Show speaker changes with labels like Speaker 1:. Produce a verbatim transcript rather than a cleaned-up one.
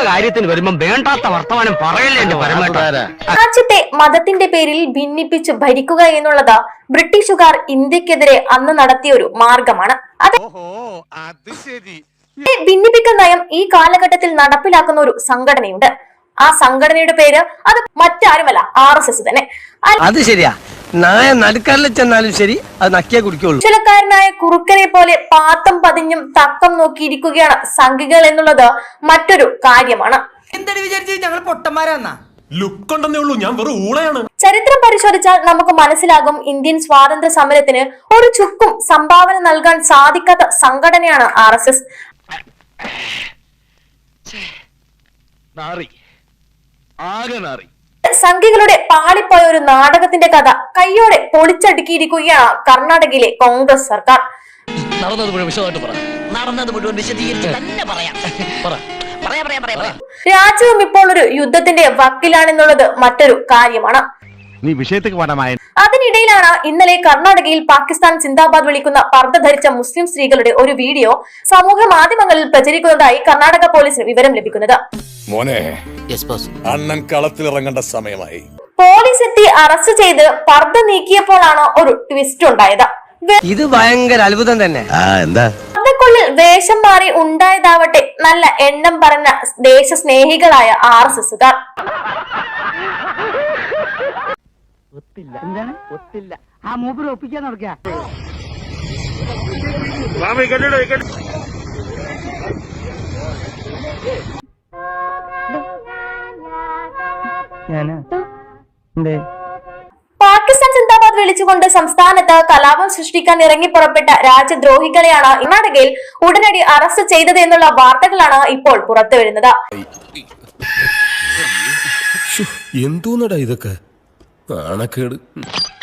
Speaker 1: കാര്യത്തിന് വരുമ്പോ വേണ്ടാത്ത വർത്തമാനം പറയല്ലേ എന്റെ പരമേട്ട.
Speaker 2: രാജ്യത്തെ മതത്തിന്റെ പേരിൽ ഭിന്നിപ്പിച്ച് ഭരിക്കുക എന്നുള്ളത് ബ്രിട്ടീഷുകാർ ഇന്ത്യക്കെതിരെ അന്ന് നടത്തിയ ഒരു മാർഗമാണ്. അത് ഭിന്നിപ്പിക്കൽ നയം ഈ കാലഘട്ടത്തിൽ നടപ്പിലാക്കുന്ന ഒരു സംഘടനയുണ്ട്. ആ സംഘടനയുടെ പേര് അത് മറ്റാരുമല്ല, ആർ എസ് എസ് തന്നെ.
Speaker 3: അത് ശരിയാ, നായ നടുക്കാരിൽ ചെന്നാലും ശരി, അത് നക്കിയേ കുടിക്കുള്ളൂ.
Speaker 2: ചിലക്കാരനായ കുറുക്കനെ പോലെ പാത്തം പതിഞ്ഞും തക്കം നോക്കിയിരിക്കുകയാണ് സംഘികൾ എന്നുള്ളത് മറ്റൊരു കാര്യമാണ്.
Speaker 4: ഞങ്ങൾ പൊട്ടന്മാരാന്നാ
Speaker 2: ചരിത്രം പരിശോധിച്ചാൽ നമുക്ക് മനസ്സിലാകും, ഇന്ത്യൻ സ്വാതന്ത്ര്യ സമരത്തിന് ഒരു ചുക്കും സംഭാവന നൽകാൻ സാധിക്കാത്ത സംഘടനയാണ് ആർ എസ് എസ്. സംഘികളുടെ പാളിപ്പോയ ഒരു നാടകത്തിന്റെ കഥ കയ്യോടെ പൊളിച്ചടുക്കിയിരിക്കുകയാണ് കർണാടകയിലെ കോൺഗ്രസ് സർക്കാർ. രാജ്യവും ഇപ്പോൾ ഒരു യുദ്ധത്തിന്റെ വക്കിലാണെന്നുള്ളത് മറ്റൊരു കാര്യമാണ്. അതിനിടയിലാണ് ഇന്നലെ കർണാടകയിൽ പാകിസ്ഥാൻ സിന്ദാബാദ് വിളിക്കുന്ന പർദ്ദ ധരിച്ച മുസ്ലിം സ്ത്രീകളുടെ ഒരു വീഡിയോ സമൂഹ മാധ്യമങ്ങളിൽ പ്രചരിക്കുന്നതായി കർണാടക പോലീസിന് വിവരം ലഭിക്കുന്നത്.
Speaker 5: അണ്ണൻ കളത്തിലിറങ്ങേണ്ട സമയമായി.
Speaker 2: പോലീസ് എത്തി അറസ്റ്റ് ചെയ്ത് പർദ്ദ നീക്കിയപ്പോഴാണ് ഒരു ട്വിസ്റ്റ് ഉണ്ടായത്.
Speaker 3: ഇത് ഭയങ്കര അത്ഭുതം തന്നെ.
Speaker 2: പർദ്ദക്കുള്ളിൽ വേഷം മാറി ഉണ്ടായതാവട്ടെ നല്ല എണ്ണം പറഞ്ഞ ദേശസ്നേഹികളായ ആർ എസ് എസുകാർ. പാകിസ്ഥാൻ സിന്ദാബാദ് വിളിച്ചുകൊണ്ട് സംസ്ഥാനത്ത് കലാപം സൃഷ്ടിക്കാൻ ഇറങ്ങി പുറപ്പെട്ട രാജ്യദ്രോഹികളെയാണ് കർണാടകയിൽ ഉടനടി അറസ്റ്റ് ചെയ്തത് എന്നുള്ള വാർത്തകളാണ് ഇപ്പോൾ പുറത്തു വരുന്നത്.
Speaker 5: എന്തോന്നടാ ഇതൊക്കെ? നാണക്കേട്.